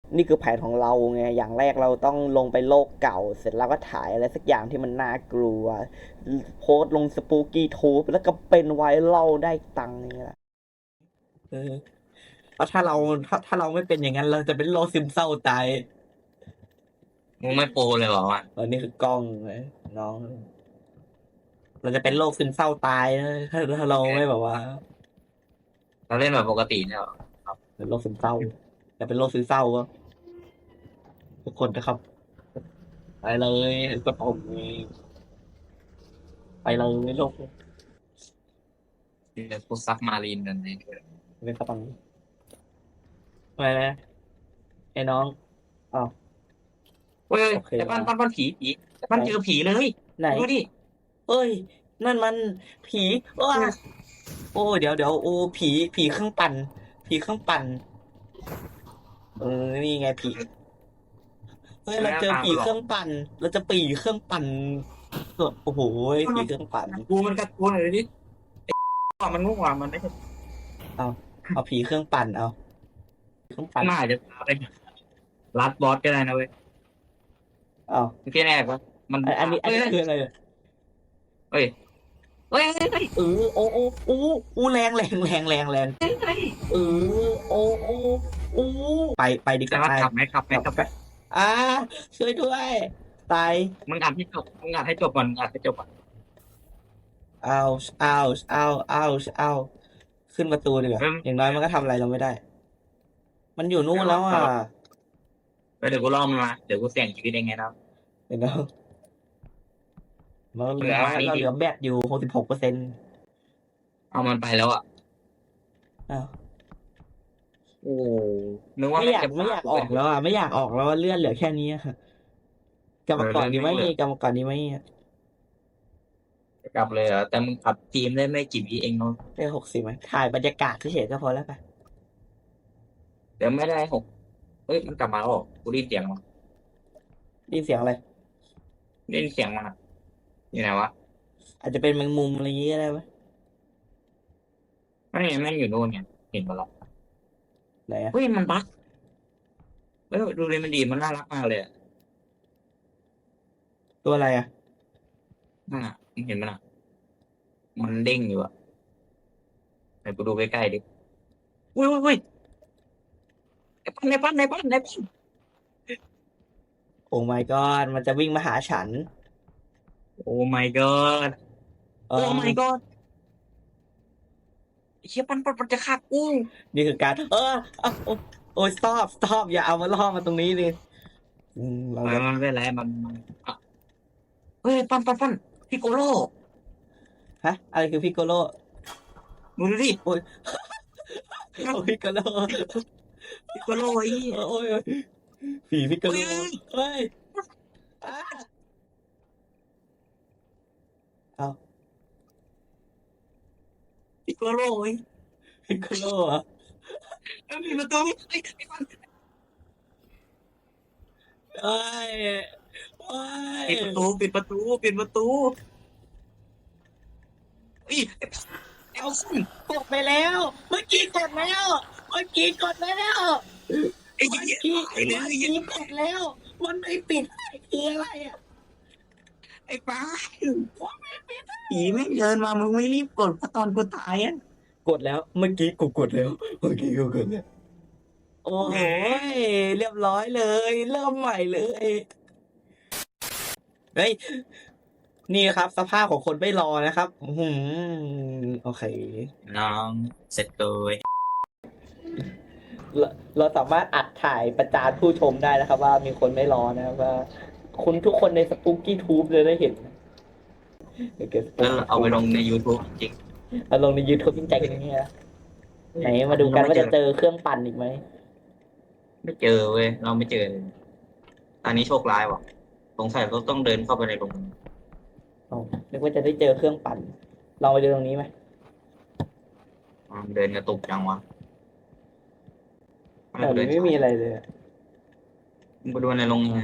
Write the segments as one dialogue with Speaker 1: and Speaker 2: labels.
Speaker 1: นี่คือแผนของเราไงอย่างแรกเราต้องลงไปโลกเก่าเสร็จแล้วก็ถ่ายอะไรสักอย่างที่มันน่ากลัวโพสต์ลงสปูกี้ทูบแล้วก็เป็นไวรัลได้ตังค์นี่แหละเออเพราะถ้าเราไม่เป็นอย่างนั้นเราจะเป็นโรคซึมเศร้าตาย
Speaker 2: มึงไม่โปรเลยเหรอวะ
Speaker 1: นี่คือกล้องเลยน้องเราจะเป็นโรคซึมเศร้าตายนะถ้าเราไม่แบบว่า
Speaker 2: เราเล่นแบบปกติเนี่ยเหรอ
Speaker 1: เป็นโรคซึมเศร้าจะเป็นโรคซึมเศร้าก็ทุกคนนะครับไปเลยกดปุ่มไปเลยโลก
Speaker 2: เดี๋ยวกูซักมารีนกันเลย
Speaker 1: เป็นสปังไปเลยไอ้น้องอ้าว
Speaker 2: เฮ้ย
Speaker 1: โอเค
Speaker 2: แต่
Speaker 1: มา
Speaker 2: ปั้นผีแต่ปั้
Speaker 1: ไหน
Speaker 2: นเจอผีเลย
Speaker 1: ไหน
Speaker 2: ดูดิ
Speaker 1: เอ้ยนั่นมันผีว้าโอ้เดี๋ยวโอ้ผีเครื่องปั่นผีเครื่องปั่นเออนี่ไงผีเฮ้ยเรา
Speaker 2: หน้า
Speaker 1: เจอผี
Speaker 2: ตามันหลอก
Speaker 1: เครื่องปั่นเราจะปีเครื่องปั่นโอ้โหผีเครื่องปั่น
Speaker 2: กูมันกัดกูหน่อยดิว่ามันง่วงมันไม่ใช่
Speaker 1: เอาเอาผีเครื่องปั่นเอาเครื่องปั่น
Speaker 2: น่าจะไปรัดบอสก็ได้นะเว้ย
Speaker 1: เอา
Speaker 2: พี่แน่ปะมัน
Speaker 1: อันนี้
Speaker 2: เฮ้ย
Speaker 1: คืออะไรเนี่ย
Speaker 2: เฮ้ยเฮ้ยเฮ้ย
Speaker 1: เออโอ้แรงเออโอ้โอ้โอ้ไปดีกว่าไป
Speaker 2: แต่ว่าขับไหมขับไหม
Speaker 1: แบบไป
Speaker 2: ขับไหม
Speaker 1: อ่าช่วยด้วยตาย
Speaker 2: มึงอ่านให้จบมึงอ่านให้จบก่อนอ่านให้จบก่อน
Speaker 1: เอาเอาเอาขึ้นประตูดีกว่า
Speaker 2: เฮ้ย
Speaker 1: อย่างน้อยมันก็ทำอะไรเราไม่ได้มันอยู่นู่นแล้วอ่ะ
Speaker 2: เดี๋ยวกูล่อมันมาเดี๋ยวกูเสี่ยงชีวิตเองไงนะ
Speaker 1: เห็นไหมเราเห
Speaker 2: เหลือ
Speaker 1: ลือ
Speaker 2: มานี่ดิ
Speaker 1: เราเหลือแบตอยู่66%
Speaker 2: เอามันไปแล้วอ่ะ
Speaker 1: อ้าว
Speaker 2: โอ้นึกว่าแม่งจะ
Speaker 1: ไม่อยาก
Speaker 2: พากูไป
Speaker 1: ออกแล้วอ่ะไม่อยากออกแล้วอะเลื่อนเหลือแค่นี้อะกลับมาก่อน
Speaker 2: เลื่อน
Speaker 1: ดีไหม
Speaker 2: ไม่เหลือ
Speaker 1: กลับมาก่อนดีไหม
Speaker 2: กลับเลยเหรอแต่มึงขับทีมได้ไม่กี่วิเองเนาะ
Speaker 1: ได้60ไหมถ่ายบรรยากาศเฉยๆก็พอแล้วไป
Speaker 2: เดี๋ยวไม่ได้หกเฮ้ยมันกลับมาแล้วเหรอกูได้ยินเสียงมัน
Speaker 1: ได้ยินเสียงอะไร
Speaker 2: ได้ยินเสียงมันอ่ะอยู่ไหนวะ
Speaker 1: อาจจะเป็นแมงมุมอะไรอย่างเงี้ยก็ได้ไหม
Speaker 2: ไม่แม่งอยู่นู่นเนี่ยเห็นปะล่ะ
Speaker 1: ไหนอะ
Speaker 2: เฮ้ยมันบั๊กเฮ้ยดูเลยมันดีมันน่ารักมากเลยอะ
Speaker 1: ตัวอะไรอะ
Speaker 2: นั่นอ่ะมึงเห็นมันอ่ะมันเด้งอยู่อ่ะไปกูดูใกล้ๆดิอุ้ยไอ้ปั้น
Speaker 1: โอ้ my god มันจะวิ่งมาหาฉัน
Speaker 2: โอ้ my god
Speaker 1: เอ
Speaker 2: โอ้ my
Speaker 1: อ
Speaker 2: god ไอ้เชี่ยปั้นจะฆ่ากู
Speaker 1: นี่คือการโอ้โอ้ย stop อย่าเอามาล่อมาตรงนี้เลยเราจะ
Speaker 2: มันไม่เป็นไรมันอ่ะเฮ้ยปั้นพี่โกโล
Speaker 1: ฮะอะไรคือพิกโกโล
Speaker 2: มึงดูดิ
Speaker 1: โอ้ยโอ้ยพิกโกโล
Speaker 2: พี่โกโลไอ้เหี้ย
Speaker 1: โอ้ยผีพิกโกโล
Speaker 2: เฮ้ย
Speaker 1: เฮ้ยอ้าเอา
Speaker 2: ปิโกโลเว้ย
Speaker 1: พิกโกโลเหรอะ
Speaker 2: เอ้ยมีประตูไอ้ไอ้ฟัน
Speaker 1: เอ้ยโอ้ย
Speaker 2: ปิดประตูเอ้ยไอ้
Speaker 1: เอา
Speaker 2: ฟัน
Speaker 1: กดไปแล้วเมื่อกี้กดแล้วเมื่อกี้กดแล้ว
Speaker 2: ไอ้
Speaker 1: เมื่อ
Speaker 2: เหี้ย
Speaker 1: กี้
Speaker 2: ตายเล
Speaker 1: เมื่อ
Speaker 2: ย
Speaker 1: กี้กดแล้วมันไม่ปิดคืออะไรอะ
Speaker 2: ไอ้ฟ้าผีแม่งเดินมามึงไม่รีบกดเพราะตอนกูตายอ่ะ
Speaker 1: กดแล้วเมื่อกี้กูกดแล้วเมื่อกี้กูกดแล้วโอ้โหยเรียบร้อยเลยเริ่มใหม่เลยเฮ้ยนี่ครับสภาพของคนไม่รอนะครับโอเค
Speaker 2: น้องเสร็จเลย
Speaker 1: เราเราสามารถอัดถ่ายประจานผู้ชมได้นะครับว่ามีคนไม่รอนะครับว่าคุณทุกคนในสปูกี้ทูบเลยได้เห็นเดี๋ยวเกิดสปู
Speaker 2: แล้ว
Speaker 1: กี้ทูบ
Speaker 2: เอาไปลงใน YouTube จริง
Speaker 1: เอาลงใน YouTube จริงจังอย่างเงี้ยไหน
Speaker 2: ๆอั
Speaker 1: มาดูกัน
Speaker 2: นนี้เราไม่เจอ
Speaker 1: ว่าจะเจอเครื่องปั่นอีกไหม
Speaker 2: ไม่เจอเว้ยเราไม่เจอเลยอันนี้โชคร้ายว่ะสงสัยเราต้องเดินเข้าไปในโรง
Speaker 1: อ๋อนึกว่าจะได้เจอเครื่องปั่นลองไปดูตรงนี้ไหม
Speaker 2: เดินกระตุกจังวะไม่
Speaker 1: แถว
Speaker 2: กูเดินช้า
Speaker 1: นี้ไม่มีอะไรเลยอะ
Speaker 2: มึงไปดูในโรงงาน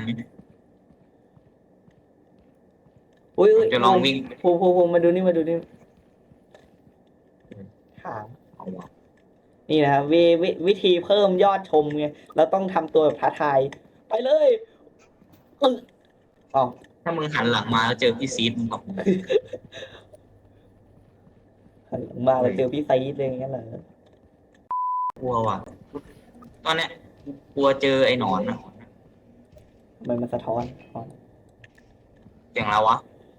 Speaker 1: อุ้ย
Speaker 2: จะลองวิ่ง
Speaker 1: ภูมาดูนี่หาง
Speaker 2: เอาวะ
Speaker 1: นี่นะครับวิธีเพิ่มยอดชมไงเราต้องทำตัวแบบท้าทายไปเลยอึ๊งอ๋อ
Speaker 2: ถ้ามึงหันหลังมาแล้วเจอพี่ซีดมึงบอก
Speaker 1: หันหลังมาเราเจอพี่ไซด์เลยอย่างนั้นเหรอก
Speaker 2: ลัวว่ะตอนเนี้ยกลัวเจอไอ้หนอนนะ
Speaker 1: ทำไมมันสะท้อนอ๋อ
Speaker 2: เสียงแล้ววะ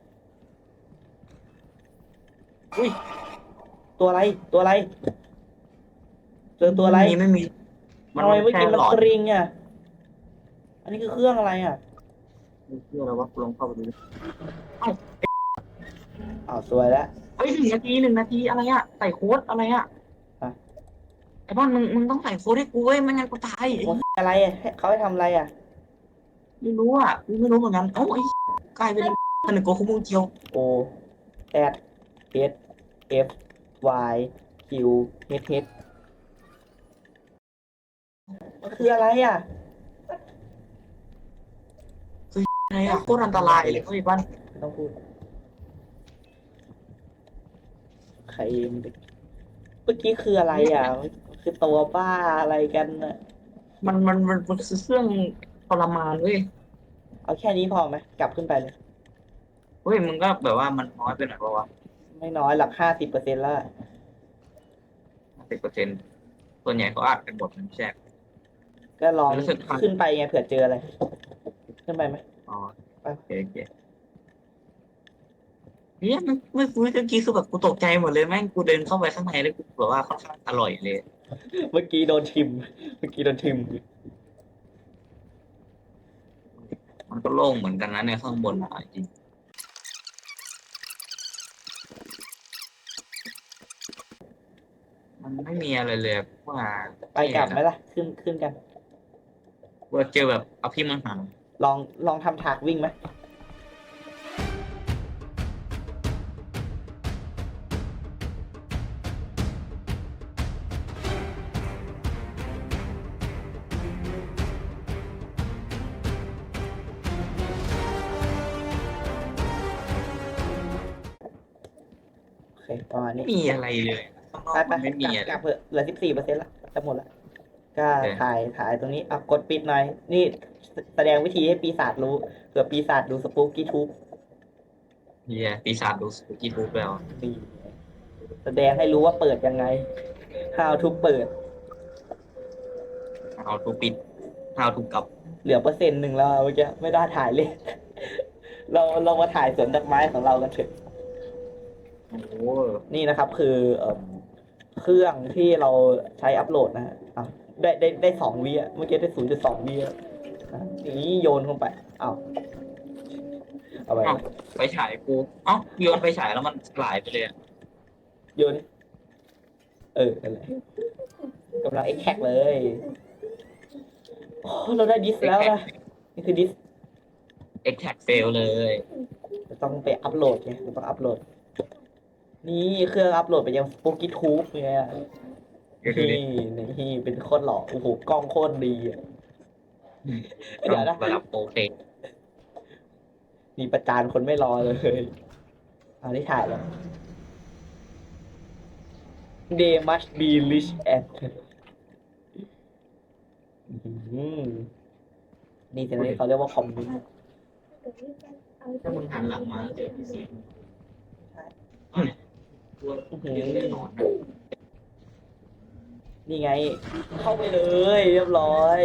Speaker 1: อุ้ยตัวอะไรตัวอะไรเจอตัวอะไร
Speaker 2: ไม่มีมัน
Speaker 1: ทำไมเมื่อ
Speaker 2: แค่
Speaker 1: กี้มัน
Speaker 2: หลอด
Speaker 1: กริงอ่ะอันนี้คือเครื่องอะไรอ่ะ
Speaker 2: เชื่อแล้วว่าลองเข้าไปดูดิเอ้า
Speaker 1: อ้าวสวยแล้ว
Speaker 2: เฮ้ย1 นาทีอะไรอะใส่โค้ดอะไรอะ
Speaker 1: ฮะ
Speaker 2: ไอ้บ้านมึงต้องใส่โค้ดให้กูเว้ยไม่งั้นกูตายไอ้
Speaker 1: มันคืออะไรอ่ะเขาให้ทำอะไรอ่ะ
Speaker 2: ไม่รู้อ่ะกูไม่รู้เหมือนกันเอ้าไอ้กลายเป็นผนึกโกคุมุงเจียว
Speaker 1: O Z H F Y Q H H มันคืออะไรอ่ะ
Speaker 2: อะไรอะโคตรอันตรายเลยเว้ยบ้าน
Speaker 1: ไม่ต้องพูดใครเมื่อกี้คืออะไรอ่ะมันคือตัวบ้าอะไรกันน่ะ
Speaker 2: มันคือเครื่องทรมานเว้ย
Speaker 1: เอาแค่นี้พอไหมกลับขึ้นไปเลย
Speaker 2: เฮ้ยมึงก็แบบว่ามันน้อยไปหน่อยปะวะ
Speaker 1: ไม่น้อยหลัก50%แล้วอะ
Speaker 2: 10%ส่วนใหญ่เขาอัดกันหมดมันแชก
Speaker 1: ก็ลอง
Speaker 2: รู้สึกทัน
Speaker 1: ขึ้นไปไงเผื่อเจออะไร ขึ้นไปไหม
Speaker 2: อ๋อ
Speaker 1: ไป
Speaker 2: โอเคเนี่ยเมื่อกี้คือแบบกูตกใจหมดเลยแม่งกูเดินเข้าไปข้างในแล้วกูแบบว่าค่อนข้างอร่อยเลย
Speaker 1: เมื่อกี้โดนทิมเมื่อกี้โดนทิม
Speaker 2: มันก็โล่งเหมือนกันนะในข้างบนอ่ะจริงมันไม่มีอะไรเลยว่า
Speaker 1: ไปกลับไหมล่ะ ขึ้นกัน
Speaker 2: ว่าเจอแบบอภิมหา
Speaker 1: ลองทำฉากวิ่งไหม โอเคประมาณนี้
Speaker 2: ไม่มีอะไรเลยข้างนอก
Speaker 1: ไป
Speaker 2: มันไม่มี
Speaker 1: ก
Speaker 2: อะไร
Speaker 1: ลับเถอะเหลือ14%ละจะหมดละก็
Speaker 2: โอเค
Speaker 1: ถ่ายตรงนี้อ่ะกดปิดหน่อย นี่แสดงวิธีให้ปีศาจรู้เผื่อปีศาจดูสปูกี้ทูบ
Speaker 2: เฮียปีศาจดูสกีทูบแล้ว
Speaker 1: นี่แสดงให้รู้ว่าเปิดยังไง how to เปิด
Speaker 2: เอาทูปิดเอาทูกลับ
Speaker 1: เหลือ1%แล้วอะเมื่อกี้ไม่ได้ถ่ายเลย เรามาถ่ายสวนดอกไม้ของเรากันเถอะ
Speaker 2: โอ้โห
Speaker 1: นี่นะครับคือเครื่องที่เราใช้อัพโหลดนะฮะอ่ะได้2 วิอ่ะเมื่อกี้ได้0.2 วิอ่ะอ่ะนี่โยนลงไปอ้าวเอาไป
Speaker 2: เอ้าไปฉายกูเอ้าโยนไปฉายแล้วมันสลายไปเลยอะ
Speaker 1: โยนอะไรกำลังเอ็กแท็กเลยโอ้เราได้ดิสแล้วนะนี่คือดิส
Speaker 2: เอ็กแท็กเฟลเลย
Speaker 1: เราต้องไปอัพโหลดไงเราต้องอัพโหลด นี่เครื่องอัพโหลดไปยัง Spooky Tube ไง
Speaker 2: เดี๋ยวดูดิ
Speaker 1: นี่เป็นโคตรหล่อโอ้โหกล้องโคตรดีอ่ะ เดี๋ยวนะ
Speaker 2: ระดับโปรเฟก
Speaker 1: มีประจานคนไม่รอเลยเอาที่ถ่ายแล้ว They must be rich and อืมนี่สิ่งที่เขาเรียกว่าคอมมิว
Speaker 2: ถ้ามึงหันหลังมาเจอพี่ซีตัว
Speaker 1: อื้อ
Speaker 2: เลี้ยง
Speaker 1: หื
Speaker 2: แน่
Speaker 1: อน
Speaker 2: อน
Speaker 1: นี่ไง เข้าไปเลย เรียบร้อย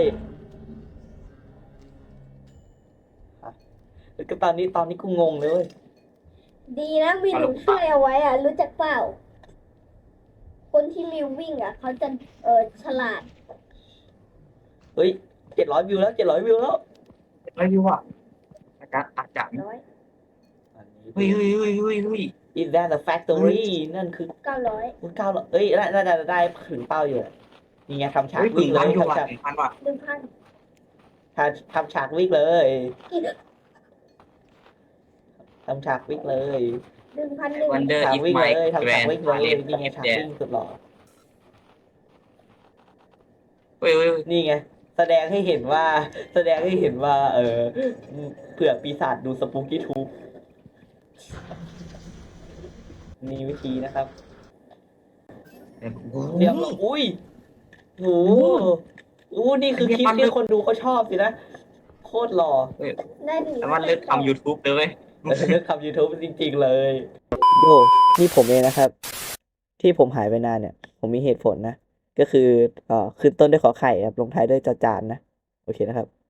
Speaker 1: อ่ะแล้วก็ตอนนี้กูงงเลยเว้ย
Speaker 3: ดีนะมีหนูช่วยเอาไว้อ่ะ รู้จักเปล่า คนที่มิววิ่งอ่ะ เขาจะฉลาด
Speaker 1: เฮ้ย700 วิวแล้ว700 วิวแล้ว
Speaker 2: ไม่รู้อ่ะอาจารย์อาจารย์
Speaker 3: ร้อย
Speaker 2: เฮ้ย
Speaker 1: Is that the factory นั่นคือ
Speaker 3: 900
Speaker 1: 900เอ้ยน่าจะได้ถึงเป้าอยู่แหละนี่ไงทำฉาก
Speaker 2: เฮ้ย
Speaker 1: วิ่งเลย
Speaker 2: อยู่
Speaker 1: ทำ
Speaker 2: ว่ะ
Speaker 1: ฉาก
Speaker 2: 1,000ว่ะ
Speaker 3: 1,000
Speaker 1: ทำฉากวิ่งเลย ทำฉากวิ่งเลย
Speaker 3: 1,100
Speaker 2: วันเดอร์
Speaker 1: ฉาก
Speaker 2: อิฟ
Speaker 1: วิ่ง
Speaker 2: ไม
Speaker 1: เลยทำ
Speaker 2: แกร
Speaker 1: ฉาก
Speaker 2: น
Speaker 1: วิ่งเลย
Speaker 2: เลน
Speaker 1: นี่ไงฉากวิ่งสุดหล่อ
Speaker 2: เฮ้ย
Speaker 1: นี่ไงแสดงให้เห็นว่าเผื่อปีศาจดูสปูกี้ทูบมีวิธีนะครับเรียบร้อยอุ้ยโอ้โหนี่คือคลิปที่คนดูเขาชอบสินะ โคตรหล่อ
Speaker 3: ได้ดี
Speaker 2: แต่ว่าเลิกทำ YouTube เลยเว้ย
Speaker 1: เลิกทำ YouTube จริงๆเลย โยนี่ผมเองนะครับ ที่ผมหายไปนานเนี่ย ผมมีเหตุผลนะ ก็คือขึ้นต้นด้วยขอไข่ครับ ลงท้ายด้วยจอจานนะ โอเคนะครับ